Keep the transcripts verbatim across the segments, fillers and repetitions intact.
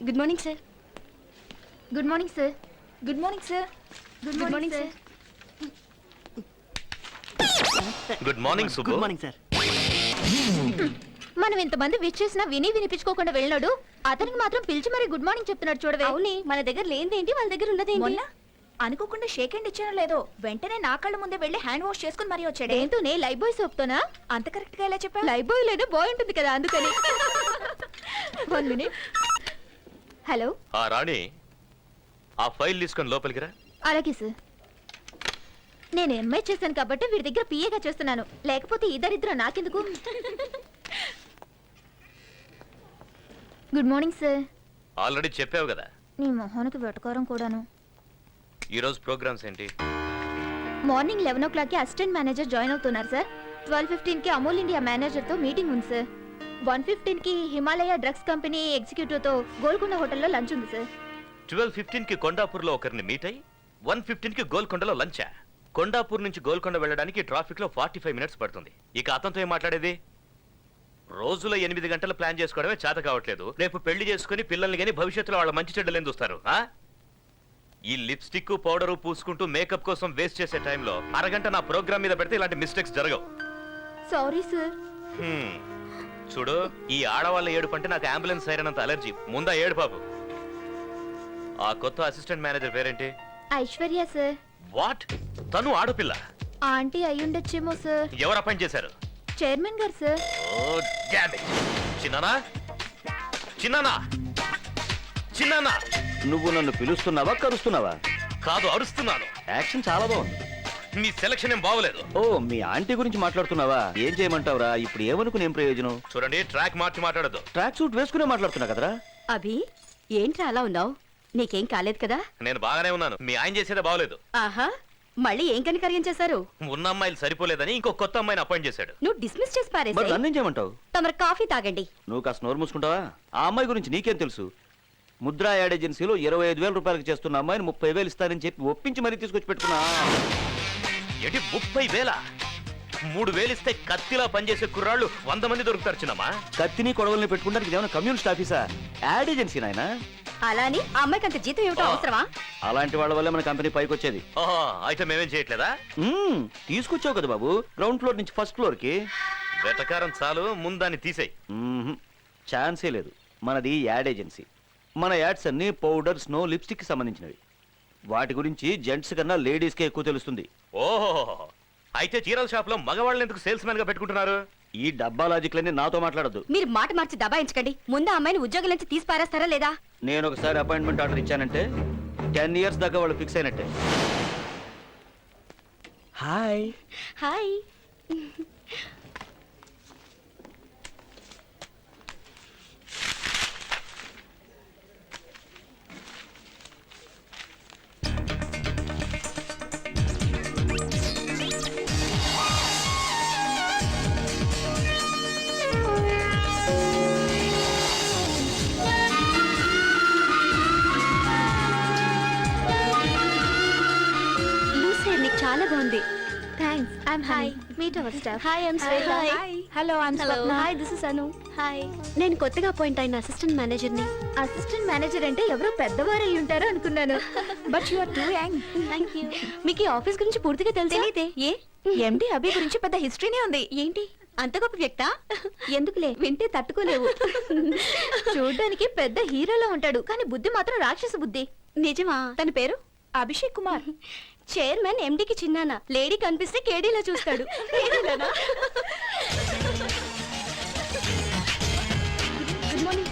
Good morning sir. Good morning sir. Good morning sir. Good morning sir. Good morning Subbu. Good morning sir. మనం ఇంతమంది wish చేసినా విని వినిపించుకోకుండా వెళ్ళినాడు, అతనికి మాత్రం పిలిచి మరి గుడ్ మార్నింగ్ చెప్తున్నాడు చూడవే. అవునే, మన దగ్గర లేనిదేంటి, వాళ్ళ దగ్గర ఉన్నదేంటి? మొన్న అనుకోకుండా షేక్ హ్యాండ్ ఇచ్చానో లేదో వెంటనే నా కళ్ళ ముందే వెళ్ళి హ్యాండ్ వాష్ చేసుకుని మరీ వచ్చాడు. ఏంటోనే లైఫ్ బాయ్ సోప్తోనా? అంత కరెక్ట్ గా ఎలా చెప్పా? లైఫ్ బాయ్ లేదో బాయ్ ఉంటుంది కదా, అందుకని. One minute. హలో. ఆ రాణి, ఆ ఫైల్ తీసుకొని లోపలికి రా. అలాగే సార్. నేను ఎంఐ చేశాను కాబట్టి వీడి దగ్గర పిఏగా చేస్తున్నాను, లేకపోతే ఇద్దరిద్దరు నాకెందుకు. Good morning sir. ఆల్రెడీ చెప్పావు కదా. నీ మొహానికి వెటకారం కూడాను. ఈ రోజు ప్రోగ్రామ్స్ ఏంటి? మార్నింగ్ లెవెన్ ఓ క్లాక్ కి అసిస్టెంట్ మేనేజర్ జాయిన్ అవుతున్నారు సార్. ట్వెల్వ్ ఫిఫ్టీన్ కి అమూల్ ఇండియా మేనేజర్ తో మీటింగ్ ఉంది సార్. వన్ ఫిఫ్టీన్ కి హిమాలయ డ్రగ్స్ కంపెనీ ఎగ్జిక్యూటివ్ తో గోల్కొండ హోటల్లో లంచ్ ఉంది సార్. ట్వెల్వ్ ఫిఫ్టీన్ కి కొండాపూర్ లో ఒకరిని మీట్ అయ్యి వన్ ఫిఫ్టీన్ కి గోల్కొండలో లంచా? కొండాపూర్ నుంచి గోల్కొండ వెళ్ళడానికి ట్రాఫిక్ లో ఫార్టీ ఫైవ్ మినిట్స్ పడుతుంది. ఇక అతనితో ఏం మాట్లాడేది? రోజులో ఎనిమిది గంటలు ప్లాన్ చేసుకోవడమే చేత కావట్లేదు. రేపు పెళ్లి చేసుకుని పిల్లల్ని గానీ భవిష్యత్తులో వాళ్ళ మంచి చెడ్డలు ఏం చూస్తారు? ఈ లిప్స్టిక్ పౌడరు పూసుకుంటూ మేకప్ కోసం వేస్ట్ చేసే టైంలో అరగంట నా ప్రోగ్రామ్ మీద పెడితే ఇలాంటి మిస్టేక్స్ జరగవు. Sorry sir. హ్మ్. చూడు, ఈ ఆడవాళ్ళ ఏడుపు అంటే నాకు అంబులెన్స్ సైరనంత అలర్జీ. ముందా ఏడు పాపు. ఆ కొత్త అసిస్టెంట్ మేనేజర్ పేరేంటి? ఐశ్వర్య సార్. వాట్? తను ఆడపిల్ల? ఆంటీ అయ్యుండొచ్చేమో సార్. ఎవరు అపాయింట్ చేశారు? చైర్మన్ గారు సార్. Oh damn it. చిన్నానా, చిన్నానా, చిన్నానా. నువ్వు నన్ను పిలుస్తున్నావా కరుస్తున్నావా? కాదు, అరుస్తున్నాను. యాక్షన్ చాలా బాగుంది. మీ సెలక్షన్ ఏం బాగోలేదు. ఓ, మీ ఆంటీ గురించి మాట్లాడుతున్నావా? ఏం చేయమంటావురా? ఇప్పుడు ఏమనుకుని ఏం ప్రయోజనం? చూడండి, ట్రాక్ మార్చి మాట్లాడదు. ట్రాక్ సూట్ వేసుకునే మాట్లాడుతున్నా కదరా. అభి, ఏంట్రా అలా ఉన్నావు? నీకేం కాలేదు కదా? నేను బాగానే ఉన్నాను. మీ ఆయన చేసేదే బాగోలేదు. ఆహా, మళ్ళీ ఏం కనికర్యం చేశారు? ఉన్న అమ్మాయిలు సరిపోలేదని ఇంకో కొత్త అమ్మాయిని అపాయింట్ చేశాడు. నువ్వు డిస్మిస్ చేసి మరి పారేసి నన్నేం చేయమంటావు? తమరు కాఫీ తాగండి. నువ్వు కాస్త నోరు మూసుకుంటావా? ఆ అమ్మాయి గురించి నీకేం తెలుసు? ముద్రా యాడ్ ఏజెన్సీలో ఇరవై ఐదు వేల రూపాయలకు చేస్తున్న అమ్మాయిని ముప్పై వేలు ఇస్తానని చెప్పి ఒప్పించి మరీ తీసుకొచ్చి పెట్టుకున్నా. ఏంటి ముప్పై వేల? మూడు వేలు ఇస్తే కత్తిలా పనిచేసే కుర్రాళ్ళు వంద మంది దొరుకుతారు చిన్నమ్మా. కత్తిని కొడవల్ని పెట్టుకుంటానికి ఏమైనా కమ్యూనిస్ట్ ఆఫీసా? యాడ్ ఏజెన్సీ నాయన. అలాని ఆ అమ్మాయికి అంత జీతం ఏమిటో అవసరమా? అలాంటి వాళ్ళ వల్ల మన కంపెనీ పైకి వచ్చేది. ఓహో, అయితే మేమేం చేయట్లేదా? మ్మ్, తీసుకొచ్చావు కదా బాబు, గ్రౌండ్ ఫ్లోర్ నుంచి ఫస్ట్ ఫ్లోర్ కి. వెటకారం చాలు, ముందాన్ని తీసేయి. మ్మ్హ్, ఛాన్సే లేదు. మనది యాడ్ ఏజెన్సీ. మన యాడ్స్ అన్ని పౌడర్, స్నో, లిప్స్టిక్ కి సంబంధించినవి. వాటి గురించి జెంట్స్ కన్నా లేడీస్ కే ఎక్కువ తెలుస్తుంది. ఓహో, అయితే చీరల షాప్ లో మగవాళ్ళని ఎందుకు సేల్స్ మ్యాన్ గా పెట్టుకుంటున్నారు? ఈ డబ్బా లాజిక్లన్నీ నాతో మాట్లాడద్దు. మీరు మాట మార్చి దబాయించకండి. ముందు ఆ అమ్మాయిని ఉద్యోగం నుంచి తీసి పారేస్తారా లేదా? నేను ఒకసారి అపాయింట్మెంట్ ఆర్డర్ ఇచ్చానంటే టెన్ ఇయర్స్ దాకా వాళ్ళు ఫిక్స్ అయినట్టే. హాయ్. హాయ్. చాలా బాగుంది. Thanks. I'm hi. Meet our staff. Hi, I'm Shweta. Hi. Hello, I'm hello. Swapna. Hi, this is Anu. Hi, నేను కొత్తగా అపాయింట్ అయిన అసిస్టెంట్ మేనేజర్ ని. అసిస్టెంట్ మేనేజర్ అంటే ఎవరో పెద్దవారు అయి ఉంటారు అనుకున్నాను. But you are too young. Thank you. మీకు ఈ ఆఫీస్ గురించి పూర్తిగా తెలుసా? తెలీదే. ఏ? ఎండి అభి గురించి పెద్ద హిస్టరీనే ఉంది. ఏంటి అంత గొప్ప వ్యక్త? ఎందుకులే, వింటే తట్టుకోలేవు. చూడడానికి పెద్ద హీరోలో ఉంటాడు, కానీ బుద్ధి మాత్రం రాక్షస బుద్ధి. నిజమా? తన పేరు అభిషేక్ కుమార్. చైర్మన్ ఎండికి చిన్నాన. లేడీ కనిపిస్తే కేడీలా చూస్తాడు. Good morning.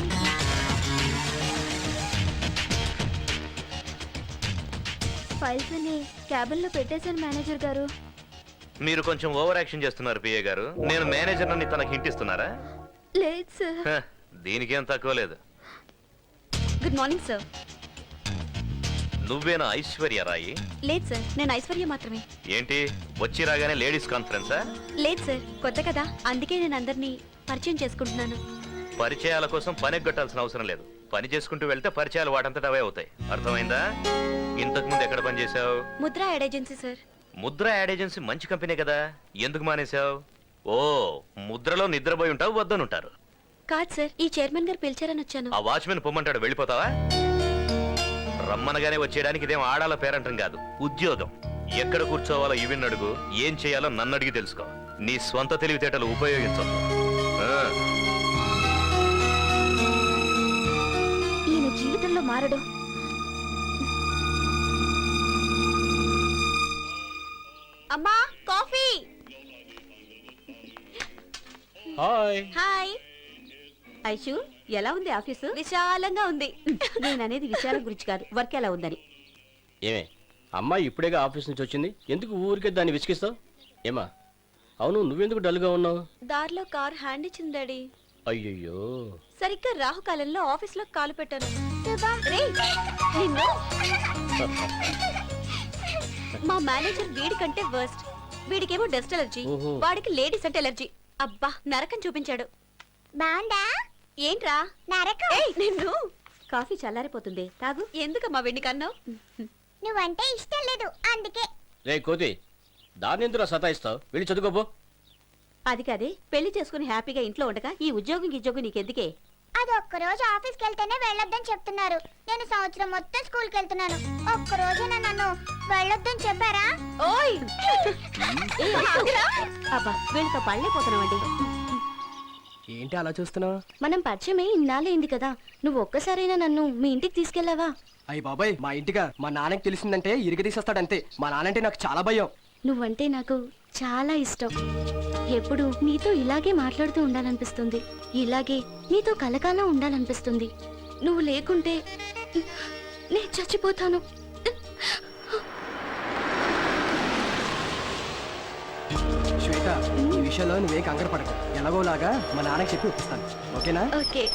ఫైల్స్ అన్ని క్యాబిన్ లో పెట్టేశాను మేనేజర్ గారు. మీరు కొంచెం ఓవర్ యాక్షన్ చేస్తున్నారు పిఏ గారు. నేను మేనేజర్ అని తనకి హింట్ ఇస్తున్నారా? లేదు సార్. హ, దీనికేం తక్కువ లేదు. Good morning sir. నువ్వేనా ఐశ్వర్య రాయి? లేదు సార్, నేను ఐశ్వర్య మాత్రమే. ఏంటి వచ్చి రాగానే లేడీస్ కాన్ఫరెన్సా? లేదు సార్, కొత్త కదా, అందుకే నేను అందరినీ పరిచయం చేసుకుంటున్నాను. పరిచయాల కోసం పని ఎగ్గొట్టాల్సిన అవసరం లేదు. పని చేసుకుంటూ వెళ్తే పరిచయాలు వాటంతట అవే అవుతాయి. అర్థమైందా? ఇంతకు ముందు ఎక్కడ పని చేసావు? Mudra ad agency sir. Mudra ad agency మంచి కంపెనీ కదా, ఎందుకు మానేశావు? ఓ, ముద్రలో నిద్రపోయి ఉంటావు, వద్దనుంటారు. కాదు సార్ ఈ చైర్మన్ గారు పిలిచారని వచ్చాను. ఆ వాచ్మెన్ పొమ్మంటాడు, వెళ్ళిపోతావా? రమ్మనగానే వచ్చేయడానికి ఇదేం ఆడాల పేరంటం కాదు, ఉద్యోగం. ఎక్కడ కూర్చోవాలో ఇవిన్ అడుగు, ఏం చేయాలో నన్ను అడిగి తెలుసుకో. నీ స్వంత తెలివితేటలు ఉపయోగించొద్దు. ఆ. ఈయన జీవితంలో మారడు. అమ్మా కాఫీ. హాయ్. హాయ్ ఐషు, ఎలా ఉంది ఆఫీసు? విశాలంగా ఉంది. నేను అనేది విశాలం గురించి కాదు, వర్క్ ఎలా ఉందని. ఏమే అమ్మాయి ఇప్పుడేగా ఆఫీస్ నుంచి వచ్చింది, ఎందుకు ఊరికే దాన్ని విసిగిస్తావు? ఏమా అవును, నువ్వెందుకు డల్గా ఉన్నావు? దారిలో కార్ హ్యాండ్ ఇచ్చింది డాడీ. అయ్యయ్యో. సరిగ్గా రాహుకాలంలో ఆఫీస్ లో కాలు పెట్టాను. రేయ్, నిన్ను. మా మేనేజర్ వీడి కంటే వర్స్ట్. వీడికేమో డస్ట్ ఎలర్జీ, ఓహో. వాడికి లేడీస్ అంటే ఎలర్జీ. అబ్బా నరకం చూపించాడు. బాండా ఏంట్రా నరకం. ఏయ్, నిన్ను. కాఫీ చల్లారిపోతుంది, తాగు. ఎందుకమ్మా వెండి కన్నావు? నువ్వంటే ఇష్టం లేదు అందుకే. రే కోతి, దాన్ని ఎందుకు సతాయిస్తావు? వెళ్ళి చదువుకోపో. అది కాదే, పెళ్లి చేసుకుని హ్యాపీగా ఇంట్లో ఉండగా ఈ ఉద్యోగం ఉద్యోగం నీకెందుకే? అది ఒక్క రోజు ఆఫీస్కి వెళ్తేనే వెళ్ళొద్దని చెప్తున్నారు. నేను సంవత్సరం మొత్తం స్కూల్కి వెళ్తున్నాను. ఒక్క రోజున నన్ను వెళ్ళొద్దని చెప్పారా? ఓయ్ ఏ, ఆగురా. అబ్బా వీళ్ళతో పళ్ళైపోతున్నావండి. ఏంటి అలా చూస్తున్నావు? మనం పరిచయమే ఇన్నాళ్ళైంది కదా, నువ్వు ఒక్కసారైనా నన్ను మీ ఇంటికి తీసుకెళ్ళావా? అయ్యి బాబాయ్, మా ఇంటిగా మా నాన్నకి తెలిసిందంటే ఇరిగ తీసేస్తాడంతే. మా నాన్నంటే నాకు చాలా భయం. నువ్వంటే నాకు చాలా ఇష్టం. ఎప్పుడు నీతో ఇలాగే మాట్లాడుతూ ఉండాలనిపిస్తుంది, ఇలాగే నీతో కలకాలం ఉండాలనిపిస్తుంది. నువ్వు లేకుంటే నేను చచ్చిపోతాను. శ్వేత, ఈ విషయంలో నువ్వే కంగారు పడకు. ఎలాగోలాగా మా నాన్నకి చెప్పి ఒప్పిస్తాను, ఓకేనా? ఓకే.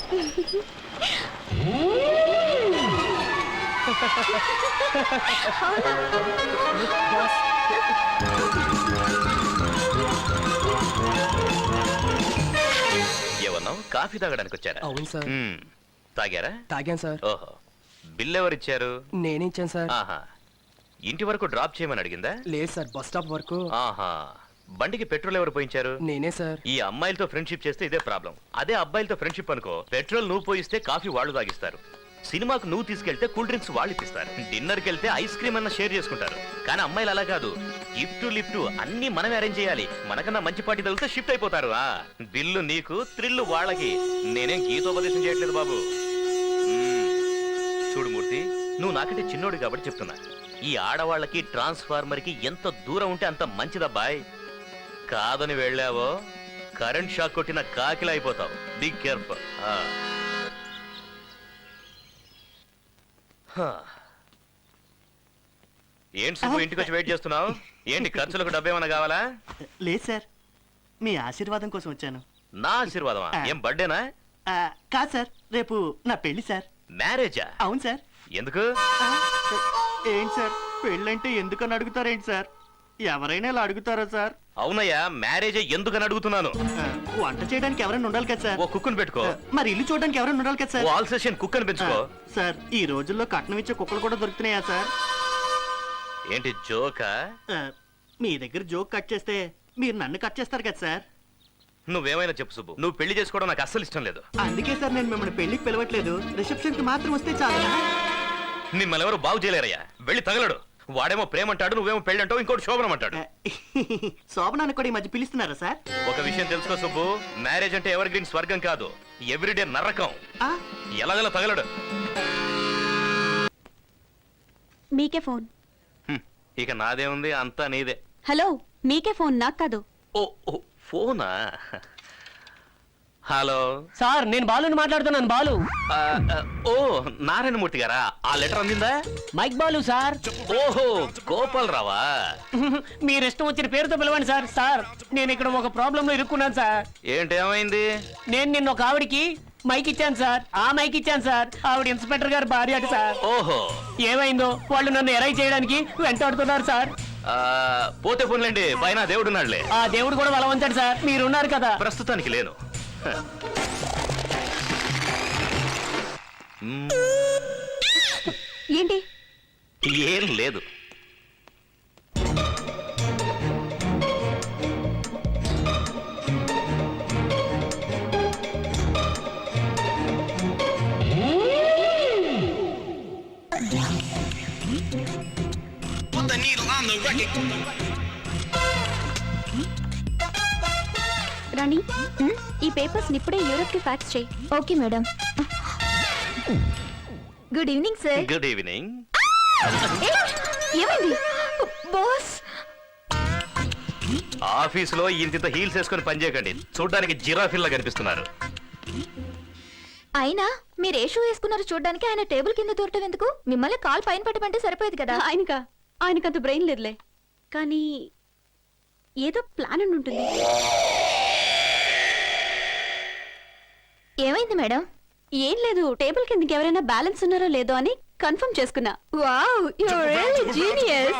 ఏమన్నావు? కాఫీ తాగడానికి వచ్చారా? అవును సార్. మ్మ్. తాగారా? తాగాను సార్. ఓహో, బిల్ ఎవరిచ్చారు? నేనే ఇచ్చాను సార్. ఆహా, ఇంటి వరకు డ్రాప్ చేయమని అడిగిందా? లేదు సార్, బస్ స్టాప్ వరకు. ఆహా, బండికి పెట్రోల్ ఎవరు పోయించారు? నేనే సార్. ఈ అమ్మాయిలతో ఫ్రెండ్షిప్ చేస్తే ఇదే ప్రాబ్లం. అదే అబ్బాయిలతో ఫ్రెండ్షిప్ అనుకో, పెట్రోల్ నువ్వు పోయిస్తే కాఫీ వాళ్ళు తాగిస్తారు. సినిమాకు నువ్వు తీసుకెళ్తే కూల్ డ్రింక్స్ వాళ్ళు ఇప్పిస్తారు. డిన్నర్కి వెళ్తే ఐస్ క్రీమ్ అన్న షేర్ చేసుకుంటారు. కానీ అమ్మాయిలు అలా కాదు, గిఫ్ట్ లిఫ్ట్ అన్ని మనమే అరేంజ్ చేయాలి. మనకన్నా మంచి పార్టీ తగిలితే షిఫ్ట్ అయిపోతారు. ఆ బిల్లు నీకు, థ్రిల్లు వాళ్ళకి. నేనేం గీతోపదేశం చేయట్లేదు బాబు. మ్మ్. చూడు మూర్తి, నువ్వు నాకంటే చిన్నోడు కాబట్టి చెప్తున్నా, ఈ ఆడవాళ్ళకి ట్రాన్స్ఫార్మర్ కి ఎంత దూరం ఉంటే అంత మంచిదబ్బాయ్. కాదని వెళ్ళావో కరెంట్ షాక్ కొట్టిన కాకిలా అయిపోతావు. Be careful. ఏంటి సుబ్బు, ఇంటికి వచ్చి వెయిట్ చేస్తున్నావు? ఏంటి ఖర్చులకు డబ్బు ఏమైనా కావాలా? లేదు సార్, మీ ఆశీర్వాదం కోసం వచ్చాను. నా ఆశీర్వాదమా? ఏం బర్త్డేనా? ఆ, కాదు సార్, రేపు నా పెళ్లి సార్. మ్యారేజా? అవును సార్. ఎందుకు? ఆ, ఏంటి సార్, పెళ్ళంటే ఎందుకని అడుగుతారేంటి సార్? ఎవరైనా ఇలా అడుగుతారా సార్? అవునయ్యా, మ్యారేజే ఎందుకని అడుగుతున్నాను. ఆ, వంట చేయడానికి ఎవరైనా ఉండాలి కదా సార్? ఓ కుక్కుని పెట్టుకో. ఆ, మరి ఇల్లు చూడడానికి ఎవరైనా ఉండాలి కదా oh sir? All session cook అని పెంచుకో. ఆ, సార్, ఈ రోజుల్లో కట్నం ఇచ్చే కుక్కలు కూడా దొరుకుతున్నాయా సార్? ఏంటి జోకా? ఆ, మీ దగ్గర జోక్ కట్ చేస్తే మీరు నన్ను కట్ చేస్తారు కదా సార్? నువ్వేమైనా చెప్పు సుబ్బు, నువ్వు పెళ్లి చేసుకోవడం నాకు అస్సలు ఇష్టం లేదు. అందుకే సార్ నేను మిమ్మల్ని పెళ్లికి పిలవట్లేదు, రిసెప్షన్ కి మాత్రం వస్తే చాలు. మిమ్మల్ని ఎవరు బాగు చేయలేరయ్యా. వెళ్ళి తగలడు. వాడేమో ప్రేమ అంటాడు, నువ్వేమో పెళ్లి అంటావు, ఇంకోటి శోభనం అంటాడు. శోభనాన్ని కూడా ఈ మధ్య పిలుస్తున్నారా సార్? ఒక విషయం తెలుసుకో సుబ్బు, మ్యారేజ్ అంటే ఎవర్ గ్రీన్ స్వర్గం కాదు, ఎవ్రీడే నరకం. ఆ, ఎలాగలా తగలడు. మీకే ఫోన్. హ్మ్, ఇక నాదే ఉంది, అంతా నీదే. హలో, మీకే ఫోన్, నాకు కాదు. ఓ ఓ ఫోనా? హలో సార్, నేను బాలుని మాట్లాడుతున్నాను. బాలు. ఆ, ఆ, ఓ నారాయణమూర్తి గారా? ఆ లెటర్ అందిందా? Mike Balu sir. ఓహో, గోపాల్ రావా? మీరు ఇష్టం వచ్చిన పేరుతో పిలవండి సార్. సార్, నేను ఇక్కడ ఒక ప్రాబ్లం లో ఇరుక్కున్నాను సార్. ఏంటి, ఏమైంది? నేను నిన్న ఒక ఆవిడికి మైక్ ఇచ్చాను సార్. ఆ మైక్ ఇచ్చాను సార్. ఆవిడ ఇన్స్పెక్టర్ గారు భార్య అట సార్. ఓహో, ఏమైందో వాళ్ళు నన్ను ఎరై చేయడానికి వెంటాడుతున్నారు సార్. ఆ, పోతే పోన్లేండి, పైన దేవుడున్నాడులే. ఆ దేవుడు కూడా బలం ఉంచాడు సార్. మీరున్నారు కదా. ప్రస్తుతానికి లేను. హ. మ్మ్, ఏంటి? ఏం లేదు. రాణి ఈ పేపర్స్ ఇప్పుడే యూరోప్ కి ఫ్యాక్స్ చేయి. Okay madam. Good evening sir. Good evening. ఏమైంది బాస్? ఆఫీసులో ఇంత హీల్స్ వేసుకొని పనిచేయకండి, చూడడానికి జిరాఫిల్లా కనిపిస్తున్నారు. అయినా మీరు ఏ షూ వేసుకున్నారు చూడడానికి? ఆయన టేబుల్ కింద దూరటం ఎందుకు? మిమ్మల్ని కాల్ పైన పెట్టమంటే సరిపోయేది కదా. ఆయనకా ఆయనకంత బ్రెయిన్ లేదులే, కానీ ఏదో ప్లాన్ అని ఉంటుంది. ఏమైంది మేడం? ఏం లేదు, టేబుల్ కిందకి ఎవరైనా బ్యాలెన్స్ ఉన్నారో లేదో అని కన్ఫర్మ్ చేసుకున్నా. Wow, you are really genius.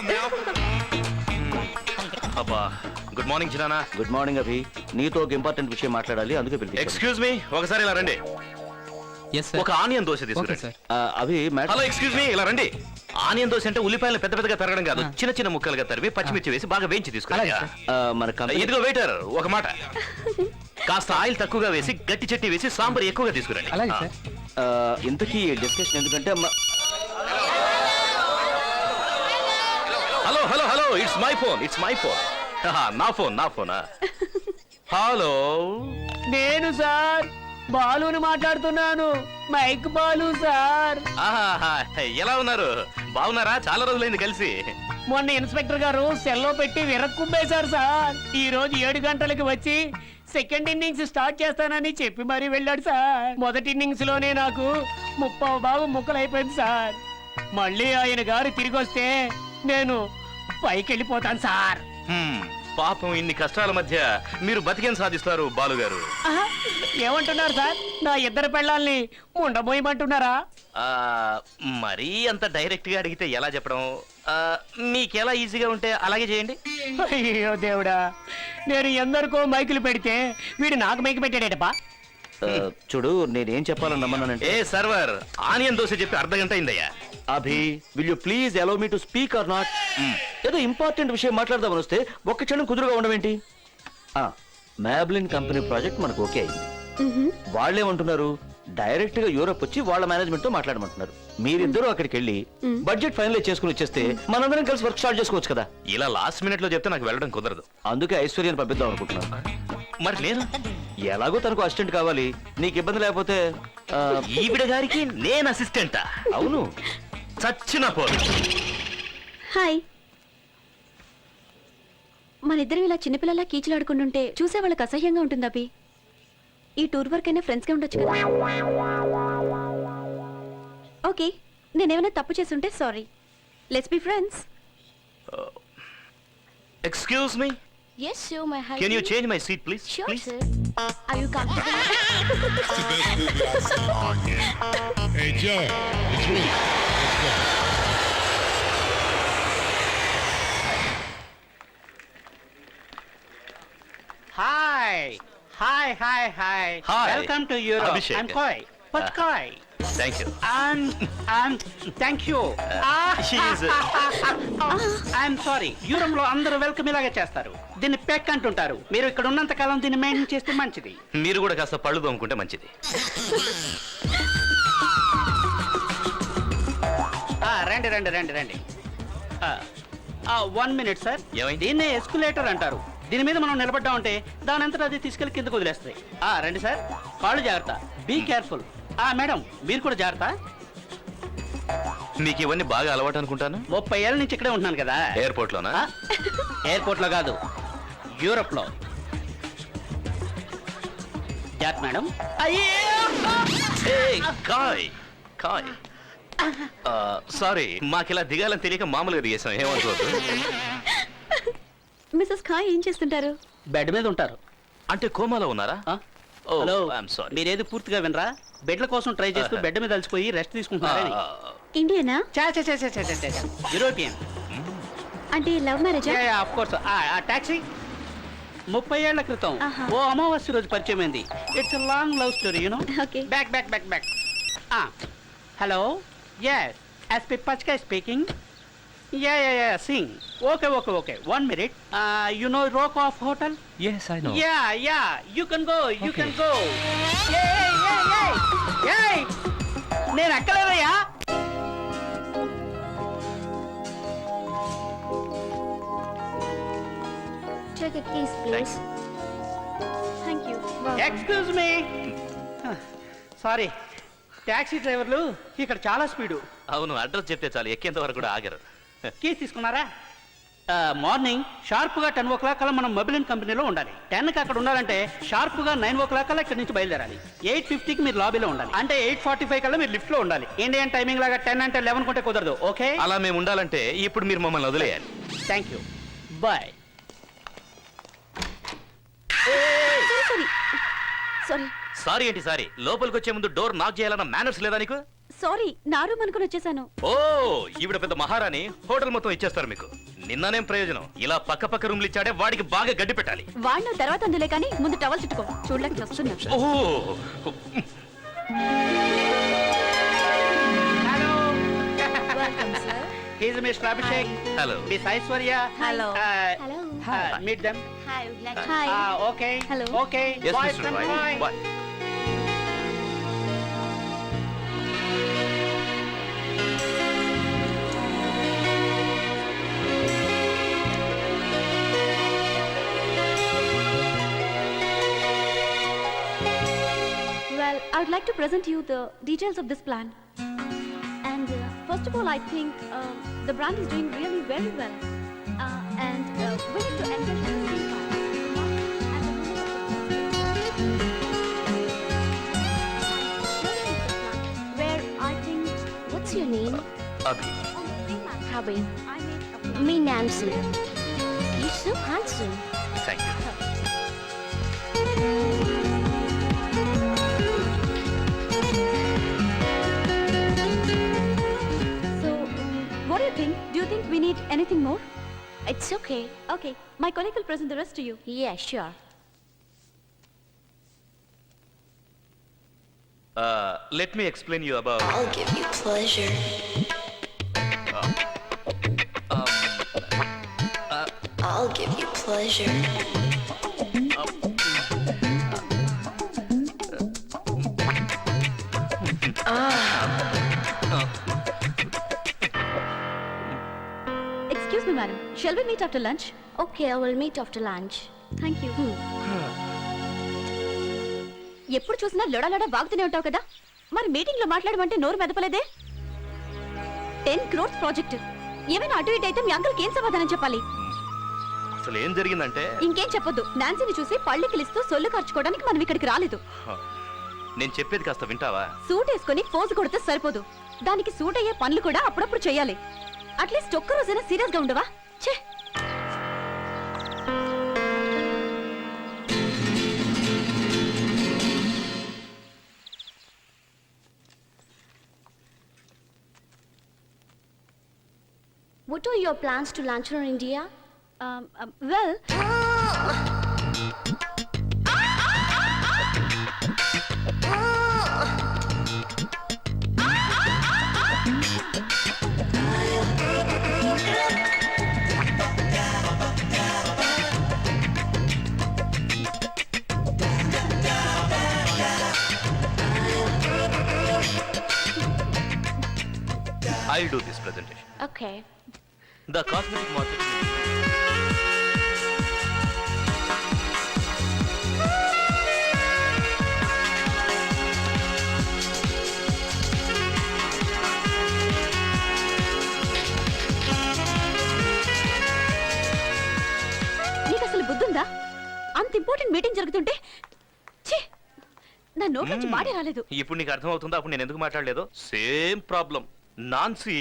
అబ్బా, గుడ్ మార్నింగ్ చిరానా. గుడ్ మార్నింగ్ అభి, నీతో ఒక ఇంపార్టెంట్ విషయం మాట్లాడాలి, అందుకే పిలిపించాను. ఎక్స్క్యూజ్ మీ, ఒకసారి ఇలా రండి. ఒక ఆనియన్ దోశ తీసుకురండి. ఆ, Abhi madam. Hello, excuse me, ఇలా రండి. ఆనియన్ దోశ అంటే ఉల్లిపాయలు పెద్ద పెద్దగా తరగడం కాదు, చిన్న చిన్న ముక్కలుగా తరివి పచ్చిమిర్చి వేసి బాగా వేయించి తీసుకురండి. ఆ, మన కంపెనీ ఇదిగో వెయిటర్, ఒక మాట, కాస్త ఆయిల్ తక్కువగా వేసి గట్టి చట్నీ వేసి సాంబార్ ఎక్కువగా తీసుకురండి. ఆ, ఇంతకీ డిస్కషన్ ఎందుకంటే మ- hello hello hello, it's my phone, it's my phone. నా ఫోన్ నా ఫోనా? హలో, నేను సార్ బాలుని మాట్లాడుతున్నాను. Mike Balu sir. ఆహాహా, ఎలా ఉన్నారు? బాగున్నారా? చాలా రోజులైంది కలిసి. మొన్న ఇన్స్పెక్టర్ గారు సెల్లో పెట్టి విరక్కుంపేశారు సార్. ఈ రోజు ఏడు గంటలకు వచ్చి సెకండ్ ఇన్నింగ్స్ స్టార్ట్ చేస్తానని చెప్పి మరీ వెళ్ళాడు సార్. మొదటి ఇన్నింగ్స్ లోనే నాకు ముప్పావు బాబు ముక్కలైపోయింది సార్. మళ్ళీ ఆయన గారు తిరిగి వస్తే నేను పైకి వెళ్ళిపోతాను సార్. హ్మ్, పాపం ఇన్ని కష్టాల మధ్య మీరు బతికేం సాధిస్తారు బాలుగారు? ఆహా, ఏమంటున్నారు సార్? నా ఇద్దరు పెళ్ళాల్ని ఉండబోయమంటున్నారా? ఆ, మరీ అంత డైరెక్ట్ గా అడిగితే ఎలా చెప్పడం? ఆ, మీకెలా ఈజీగా ఉంటే అలాగే చేయండి. అయ్యో దేవుడా, నేను ఎందరికో మైకులు పెడితే వీడు నాకు మైకు పెట్టాడేటప్పా. ఆ, చూడు, నేనేం చెప్పాలని నమ్మన్నానంటే ఏ సర్వర్, ఆనియన్ దోశ చెప్పి అర్ధ గంట అయిందయ్యా. Abhi, will you please allow me to speak or not? ఏదో ఇంపార్టెంట్ విషయం మాట్లాడదామని వస్తే ఒక్క క్షణం కుదురుగా ఉండమేంటి? మ్యాబ్లిన్ కంపెనీ ప్రాజెక్ట్ మనకు ఓకే అయింది. వాళ్ళేమంటున్నారు, డైరెక్ట్ గా యూరోప్ వచ్చి వాళ్ళ మేనేజ్మెంట్ తో మాట్లాడమంటున్నారు. మీరిద్దరూ అక్కడికి వెళ్ళి బడ్జెట్ ఫైనలైజ్ చేసుకుని వచ్చేస్తే మనందరం కలిసి వర్క్ స్టార్ట్ చేసుకోవచ్చు కదా. ఇలా లాస్ట్ మినిట్ లో చెప్తే నాకు వెళ్ళడం కుదరదు. అందుకే ఐశ్వర్యాన్ని పంపిద్దాం అనుకుంటున్నాను. మరి నేను ఎలాగో తనకు అసిస్టెంట్ కావాలి, నీకు ఇబ్బంది లేకపోతే ఆ, ఈవిడ గారికి నేను అసిస్టెంటా? అవును. చచ్చిన పోదు. హాయ్. మన ఇద్దరం ఇలా చిన్నపిల్లలా కీచులాడుకుంటుంటే చూసే వాళ్ళకి అసహ్యంగా ఉంటుంది అభి. ఈ టూర్ వర్క్ అయినా ఫ్రెండ్స్గా ఉండొచ్చు కదా. ఓకే, నేనేమైనా తప్పు చేస్తుంటే sorry. Let's be friends. Excuse me, Yes, sure, my husband. Can you change my seat please? Sure, please. sir. Are you comfortable? Hey Joe, it's me. Hi, hi, hi, hi. Hi. Welcome to Europe. Abhishek. I'm Koi. What's Uh, Koi? Thank you. And and thank you. Ah, she is, I'm sorry. Europe లో అందరూ welcome ఇలాగే చేస్తారు. దీన్ని పెక్ అంటుంటారు. మీరు ఇక్కడ ఉన్నంత కాలం దీన్ని మెయింటైన్ చేస్తే మంచిది. మీరు కూడా కాస్త పళ్ళు తోముకుంటే మంచిది. ఆ, రండి రండి రండి రండి. One minute sir. ఏమైంది? దీన్నే ఎస్కులేటర్ అంటారు. దీని మీద మనం నిలబడ్డా ఉంటే దాని అంతటా అది తీసుకెళ్లి కిందకు వదిలేస్తాయి. ఆ, రండి సార్. కాళ్ళు జాగ్రత్త. Be careful. ఆ మేడం, మీరు కూడా జాగ్రత్త. మీకు ఇవన్నీ బాగా అలవాటు అనుకుంటాను. ముప్పై ఏళ్ళ నుంచి ఇక్కడే ఉంటున్నాను కదా. ఎయిర్పోర్ట్ లోనా? ఆ? ఎయిర్పోర్ట్ లో కాదు, యూరోప్ లో. జాగ్రత్త మేడం. కాయ్ కాయ్. సారీ, మాకిలా దిగాలని తెలియక మామూలుగా దిగేసాం, ఏమనుకోవద్దు. మిస్సెస్ ఖాయ్ ఏం చేస్తుంటారు? బెడ్ మీద ఉంటారు. అంటే కోమాలో ఉన్నారా? ఆ? Oh, hello, I'm sorry. మీరేది పూర్తిగా వినరా? బెడ్ల కోసం ట్రై చేస్తూ బెడ్ మీద అలసిపోయి రెస్ట్ తీసుకుంటున్నారని. ఇండియనా? చా చా చా చా చా చా చా. యూరోపియన్. అంటే లవ్ మ్యారేజా? Yeah yeah, of course. ఆ టాక్సీ ముప్పై ఏళ్ల క్రితం ఆహా. ఓ అమావాస్య రోజు పరిచయం అయింది. It's a long love story, you know. Okay. Back back back back. ఆ హలో, yes, ఎస్పి పచ్కా speaking. Yeah yeah yeah, Singh. Okay okay okay, one minute. You know rock of hotel? Yes I know. Yeah yeah, you can go, you can go. నేను ఎక్కలేదయ్యా. like a kiss, please. Thank you excuse me sorry taxi డ్రైవర్లు ఇక్కడ చాలా speed అవును address చెప్తే చాలు ఎక్కేంత వరకు కూడా ఆగరు కీస్ తీసుకున్నారా మార్నింగ్ షార్ప్గా టెన్ ఓ క్లాక్ కల్లా మనం మొబైల్ కంపెనీలో ఉండాలి టెన్కి అక్కడ ఉండాలంటే షార్ప్గా నైన్ ఓ క్లాక్ కల్లా ఇక్కడ నుంచి బయలుదేరాలి ఎయిట్ ఫిఫ్టీకి మీరు లాబీలో ఉండాలి అంటే ఎయిట్ ఫార్టీ ఫైవ్ కల్లా మీరు లిఫ్ట్లో ఉండాలి ఇండియన్ టైమింగ్ లాగా టెన్ అంటే లెవెన్ కొంటే కుదరదు ఓకే అలా మేము ఉండాలంటే ఇప్పుడు మీరు మమ్మల్ని వదిలేయాలి thank you bye sorry sorry sorry ఏంటి సారీ లోపలికి వచ్చే ముందు డోర్ నాక్ చేయాలన్న మేనర్స్ లేదా నీకు సారీ నా రూమ్ అనుకుని వచ్చేసాను ఓ ఈవిడ పెద్ద మహారాణి హోటల్ మొత్తం ఇచ్చేస్తారు మీకు నిన్ననేం ప్రయోజనం ఇలా పక్క పక్క రూమ్లు ఇచ్చాడే వాడికి బాగా గడ్డి పెట్టాలి వాడిన తర్వాత అందులే కానీ ముందు టవల్ చుట్టుకో చూడలేక వస్తున్నా ఓహో hello he's mister Abhishek hello miss Aishwarya Hello. Hello. Meet them Hi, would like hi okay Hello. Okay yes mister Rai bye Well, I would like to present you the details of this plan. And uh, first of all, I think uh, the brand is doing really very well. Uh, and uh, we need to encourage the same part. And the women of the where I think What's your name? Abhi on the same line, Habi. I made a plan. Me, Nancy. You're so handsome. Thank you So, um, what do you think? Do you think we need anything more? It's okay. Okay, my colleague will present the rest to you. Yeah, sure. Let me explain you about I'll give you pleasure. I'll give you pleasure. Excuse me, madam. Shall we meet after lunch? Okay, I will meet after lunch. Thank you. ఎప్పుడు చూసినా లొడలొడ బాగుతూనే ఉంటావు కదా మరి meeting లో మాట్లాడమంటే నోరు మెదపలేదే ten crores project ఏమైనా అటు ఇటు అయితే మీ అంకుల్కి ఏం సమాధానం చెప్పాలి అసలు ఏం జరిగిందంటే ఇంకేం చెప్పొద్దు నాన్సీని చూసి పళ్ళికిలిస్తూ సొల్లు ఖర్చుకోవడానికి మనం ఇక్కడికి రాలేదు నేను చెప్పేది కాస్త వింటావా సూట్ వేసుకొని పోజు కొడితే సరిపోదు దానికి సూట్ అయ్యే పనులు కూడా అప్పుడప్పుడు చేయాలి అట్లీస్ట్ ఒక్క రోజైనా సీరియస్ గా ఉండవా ఛే What are your plans to lunch in India? um, um, well I'll do this presentation. Okay. The cosmetic market. నీకు అసలు బుద్ధుందా అంత ఇంపార్టెంట్ మీటింగ్ జరుగుతుంటే ఛీ నా నోట్ నుంచి మాటే రాలేదు ఇప్పుడు నీకు అర్థం అవుతుందా అప్పుడు నేను ఎందుకు మాట్లాడలేదు సేమ్ ప్రాబ్లం నాన్సీ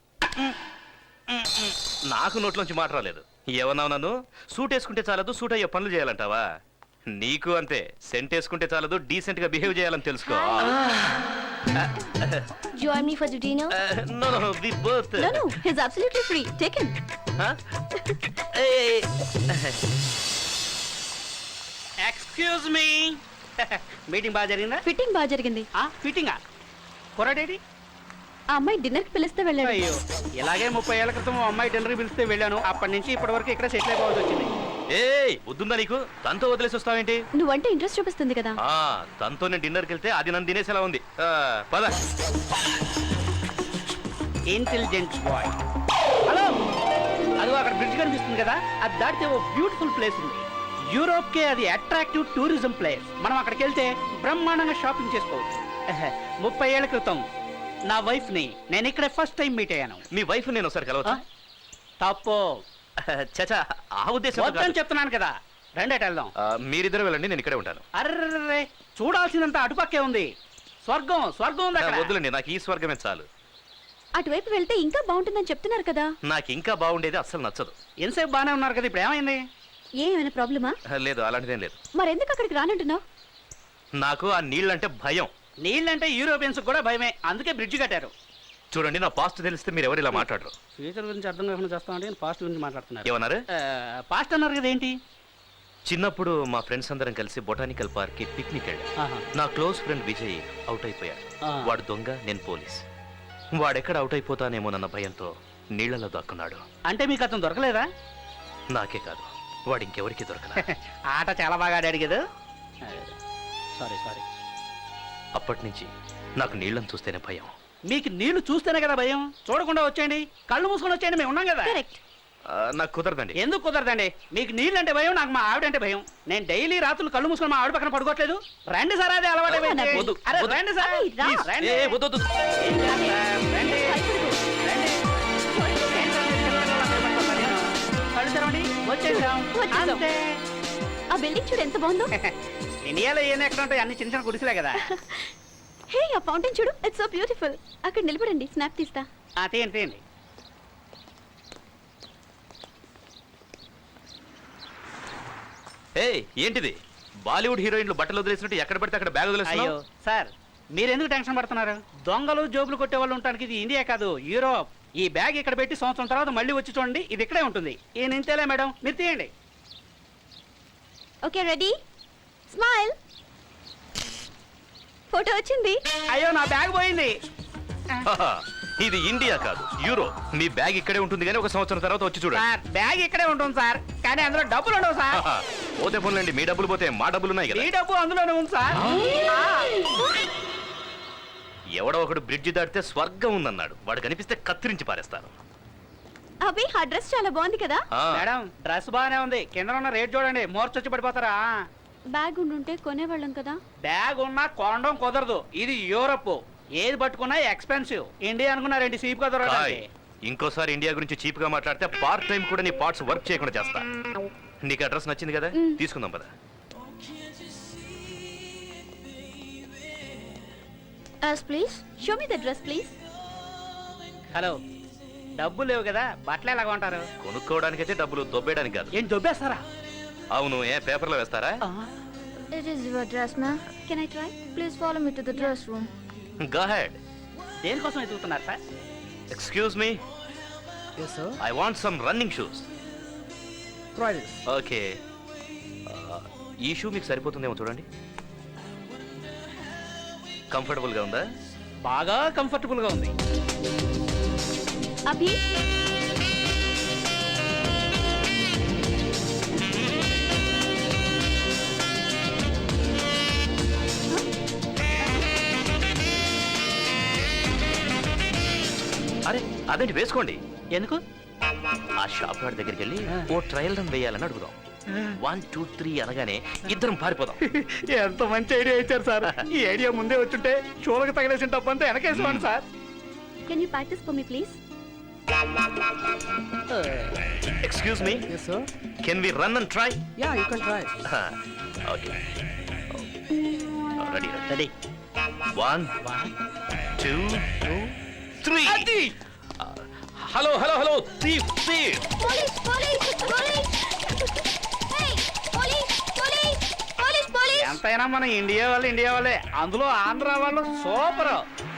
నాకు నోట్లోంచి మాట రాలేదు ఏమన్నావు నన్ను సూట్ వేసుకుంటే చాలదు సూట్ అయ్యే పనులు చేయాలంటావా నీకు అంతే సెంట్ వేసుకుంటే చాలదు డీసెంట్ గా బిహేవ్ చేయాలని తెలుసుకో Join me for the dinner? No no we both No, no, he's absolutely free. Take him. Excuse me meeting బాగా జరిగిందా ఫిట్టింగ్ బాగా జరిగింది ఫిట్టింగా కుర్రాడేడి ఆ అమ్మాయి డిన్నర్ కి పిలిస్తే వెళ్ళాడు అయ్యో ఇలాగే ముప్పై ఏళ్ల క్రితం ఓ అమ్మాయి డిన్నర్ పిలిస్తే వెళ్ళాను అప్పటి నుంచి ఇప్పటి వరకు ఇక్కడ సెటిల్ అయిపోవాల్సి వచ్చింది ఏయ్ వద్దుందా నీకు తనతో వదిలేసి వస్తావేంటి నువ్వంటే ఇంట్రెస్ట్ చూపిస్తుంది కదా ఆ తనతో నేను డిన్నర్కి వెళ్తే అది నన్ను తినేసేలా ఉంది ఆ, పద ఇంటెలిజెంట్ బాయ్ హలో అదిగో అక్కడ బ్రిడ్జ్ కనిపిస్తుంది కదా అది దాటితే ఓ బ్యూటిఫుల్ ప్లేస్ ఉంది యూరోప్ కే అది అట్రాక్టివ్ టూరిజం ప్లేస్. మనం అక్కడికి వెళ్తే బ్రహ్మాండంగా షాపింగ్ చేసుకోవచ్చు. ముప్పై ఏళ్ల క్రితం నా వైఫ్ ని నేను ఇక్కడే ఫస్ట్ టైం మీట్ అయ్యాను. మీ వైఫ్ నేను ఒకసారి కలవచ్చా? తప్పు చచా, ఆ ఉద్దేశం వద్దని చెప్తున్నాను కదా. రెండేట వెళ్దాం. మీరిద్దరు వెళ్ళండి, నేను ఇక్కడే ఉంటాను. అర్రే, చూడాల్సినంత అటుపక్కే ఉంది. స్వర్గం స్వర్గం ఉంది అక్కడ. వద్దులండి, నాకు ఈ స్వర్గమే చాలు. అటువైపు వెళ్తే ఇంకా బాగుంటుందని చెప్తున్నారు కదా. నాకు ఇంకా బాగుండేది అస్సలు నచ్చదు. ఎంతసేపు బాగానే ఉన్నారు కదా, ఇప్పుడు ఏమైంది? ఏమైనా ప్రాబ్లమా? లేదు, అలాంటిదేం లేదు. మరెందుకు అక్కడికి రానంటున్నావు? నాకు ఆ నీళ్ళంటే భయం. నీళ్ళంటే యూరోపియన్స్ కూడా భయమే, అందుకే బ్రిడ్జ్ కట్టారు. చూడండి, నా పాస్ట్ తెలిస్తే మీరు ఎవరు ఇలా మాట్లాడరు. ఫ్యూచర్ గురించి అర్థం కాకుండా చేస్తామంటే పాస్ట్ గురించి మాట్లాడుతున్నారు. ఏమన్నారు? పాస్ట్ అన్నారు కదా, ఏంటి? చిన్నప్పుడు మా ఫ్రెండ్స్ అందరం కలిసి బొటానికల్ పార్క్ కి పిక్నిక్ వెళ్ళాం. ఆహా. నా క్లోజ్ ఫ్రెండ్ విజయ్ అవుట్ అయిపోయాడు. ఆ. వాడు దొంగ, నేను పోలీస్. వాడెక్కడ అవుట్ అయిపోతానేమోనన్న భయంతో నీళ్లలో దాక్కున్నాడు. అంటే మీకు అతను దొరకలేదా? నాకే కాదు, వాడు ఇంకెవరికి దొరకలా. ఆట చాలా బాగా ఆడాడు కదా. Sorry sorry. అప్పటి నుంచి నాకు నీళ్ళని చూస్తేనే భయం. మీకు నీళ్లు చూస్తేనే కదా భయం. చూడకుండా వచ్చేయండి, కళ్ళు మూసుకొని వచ్చేయండి, మేము ఉన్నాం కదా. కరెక్ట్. ఆ, నాకు కుదరదండి. ఎందుకు కుదరదండి? మీకు నీళ్ళు అంటే భయం, నాకు మా ఆవిడంటే భయం. నేను డైలీ రాత్రులు కళ్ళు మూసుకొని మా ఆవిడ పక్కన పడుకోవట్లేదు. రండి సార్, అదే అలవాటు అయిపోయింది. వద్దు, అరే, వద్దు. రండి సార్. అరే, రా. ప్లీజ్, రండి. ఏ, వద్దు, వద్దు. ఏం చేస్తారు? రండి. రండి. ఏం సార్ మీరు చిన్నపిల్లలా భయపడతారు నేను? కళ్ళు తెరవండి, వచ్చేసాం. వచ్చేసాం. అంతే. ఆ బిల్డింగ్ చూడు ఎంత బాగుందో. ఇండియాలో ఏం ఎక్కడ ఉంటాయి, అన్ని చిన్న చిన్న గుడిసెలే కదా. హే, ఆ ఫౌంటైన్ చూడు, ఇట్స్ సో బ్యూటిఫుల్. అక్కడ నిలబడండి, స్నాప్ తీస్తా. ఆ, తీయండి తీయండి. ఏ, ఏంటిది? బాలీవుడ్ హీరోయిన్లు బట్టలు వదిలేసినట్టు ఎక్కడ పడితే అక్కడ బ్యాగ్ అయ్యో వదిలేస్తున్నావు? సార్, మీరెందుకు టెన్షన్ పడుతున్నారు? దొంగలు జోబులు కొట్టే వాళ్ళు ఉండడానికి ఇది ఇండియా కాదు, యూరోప్. ఈ బ్యాగ్ ఇక్కడ పెట్టి సంవత్సరం తర్వాత మళ్ళీ వచ్చి చూడండి, ఇది ఇక్కడే ఉంటుంది. ఈయన ఇంతేలే మేడం, మీరు తీయండి. Okay, ready, smile. ఫోటో వచ్చింది. అయ్యో, నా బ్యాగ్ పోయింది. హాహా, ఇది ఇండియా కాదు, యూరో. మీ బ్యాగ్ ఇక్కడే ఉంటుంది కానీ ఒక సంవత్సరం తర్వాత వచ్చి చూడండి. సార్, బ్యాగ్ ఇక్కడే ఉంటుంది సార్, కానీ అందులో డబ్బులు ఉండవు సార్. హాహా, పోతే పోన్లేండి, మీ డబ్బులు పోతే మా డబ్బులు ఉన్నాయి కదా. ఈ డబ్బు అందులోనే ఉంది సార్. ఆ. ఎవడో ఒకడు బ్రిడ్జి దాటితే స్వర్గం ఉందన్నాడు. వాడు కనిపిస్తే కత్తిరించి పారేస్తాను. అభి, ఆ డ్రెస్ చాలా బాగుంది కదా. ఆ, మేడం, డ్రెస్ బాగానే ఉంది, కింద ఉన్న రేట్ చూడండి, మోర్చొచ్చి పడిపోతారా. బ్యాగ్ ఉండుంటే కొనేవాళ్ళం కదా. బ్యాగ్ ఉన్నా కొనడం కుదరదు, ఇది యూరప్. ఏది పట్టుకున్నా ఎక్స్పెన్సివ్. ఇండియా అనుకున్నారేంటి చీప్ గా హాయ్. దొరకడానికి? ఇంకోసారి ఇండియా గురించి చీప్ గా మాట్లాడితే పార్ట్ టైం కూడా నీ పార్ట్స్ వర్క్ చేయకుండా చేస్తా. నీకు అడ్రస్ నచ్చింది కదా, తీసుకుందాం పద. Yes, please. Show me the dress, please. Hello, డబ్బులు లేవు కదా, బట్టలు ఎలాగ ఉంటారు? కొనుక్కోవడానికైతే డబ్బులు, దొబ్బేయడానికి కాదు. ఏం దొబ్బేస్తారా? అవును, ఏ పేపర్లో వేస్తారా? It is your dress, ma'am. Can I try? Please follow me to the dress room. Go ahead. దేనికోసం ఎదుగుతున్నారు sir? Excuse me. Yes, sir. I want some running shoes. Try this. Okay. ఈ షూ మీకు సరిపోతుందేమో చూడండి. Comfortable గా ఉందా? బాగా comfortable గా ఉంది. అభి, అరే, అదేంటి, వేసుకోండి. ఎందుకు? ఆ షాప్ వాడి దగ్గరికి వెళ్ళి ఓ ట్రయల్ రన్ వేయాలని అడుగుదాం. వన్ టూ త్రీ అనగానే ఇద్దరం పారిపోదాం. ఎంత మంచి ఐడియా ఇచ్చారు సార్. ఈ ఐడియా ముందే వచ్చుంటే షోలకు తగిలేసిన డబ్బంతా వెనకేసుకోండి sir. can you practice for me, please? Excuse me, Yes, sir. Can we run and try? Yeah, you can try. Okay, ready Ready. One One, two two. Three. Hello hello hello, thief thief. Police, police, police. Hey, police, police, police, police. ఎంతైనా మన India వాళ్ళు India వాళ్ళే, అందులో ఆంధ్ర వాళ్ళు super.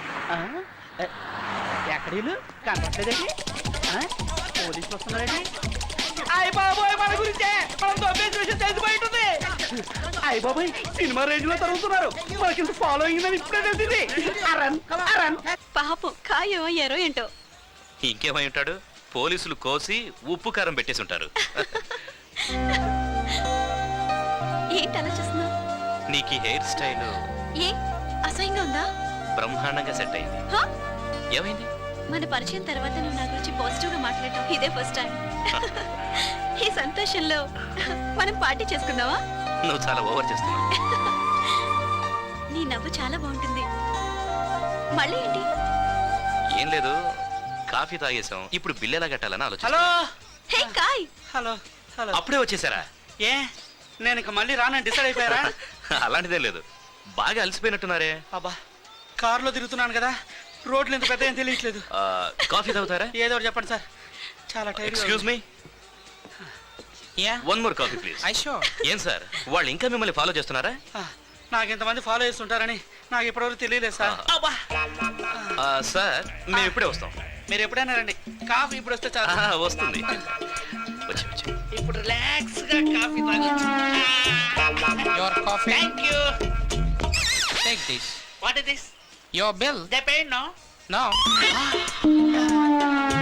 ఎక్కడ వీళ్ళు కనపట్లేదండి? పోలీసులు వస్తున్నారండి. అయ్య బాబోయ్, మన గురించే, మనం దొబ్బేసిన విషయం తెలిసిపోయి ఉంటుంది. అయ్య బాబోయ్, సినిమా రేంజ్ లో తరుగుతున్నారు. మనకి ఫాలోయింగ్ అని ఇప్పుడే తెలిసింది. అరన్ అరన్. పాపం, ఖాయం అయ్యారో ఏంటో. ఇంకేమై ఉంటాడు, పోలీసులు కోసి ఉప్పు కారం పెట్టేసి ఉంటారు. ఏంటి అలా చూస్తున్నావు? నీకు ఈ హెయిర్ స్టైల్ ఏ అసహ్యంగా ఉందా? బ్రహ్మాండంగా సెట్ అయింది. హ? ఏమైంది? మన పరిచయం తర్వాత నువ్వు నా గురించి పాజిటివ్ గా మాట్లాడటం ఇదే ఫస్ట్ టైం. ఈ సంతోషంలో మనం పార్టీ చేసుకుందామా? నువ్వు చాలా ఓవర్ చేస్తున్నావు. నీ నవ్వు చాలా బాగుంటుంది. మళ్ళీ ఏంటి? ఏం లేదు, కాఫీ తాగేసాం, ఇప్పుడు బిల్ ఎలా కట్టాలని ఆలోచన. హలో హే కాయ్, హలో హలో అప్పుడే వచ్చేసారా? ఏ నేను ఇక మళ్ళీ రానని డిసైడ్ అయిపోయారా? అలాంటిదే లేదు, బాగా అలసిపోయినట్టున్నారే. అబ్బా కారులో తిరుగుతున్నాను కదా, రోడ్లు ఎంత పెద్ద ఏం తెలియట్లేదు. ఆ, కాఫీ తాగుతారా? ఏదో ఒకటి చెప్పండి సార్, చాలా time. Excuse me, one more coffee please. ఏం సార్, వాళ్ళు ఇంకా మిమ్మల్ని ఫాలో చేస్తున్నారా? నాకు ఇంతమంది ఫాలో చేస్తుంటారని నాకు ఇప్పటివరకు తెలియలేదు సార్. అబ్బా ఆ, సార్ మేము ఇప్పుడే వస్తాం. మీరు ఎప్పుడైనా రండి, కాఫీ ఇప్పుడు వస్తే చాలు. ఆహా, వస్తుంది. వచ్చి వచ్చి ఇప్పుడు రిలాక్స్ గా కాఫీ తాగొచ్చు. Your coffee. Thank you. Take this. What is this? Your bill. They paid no. No.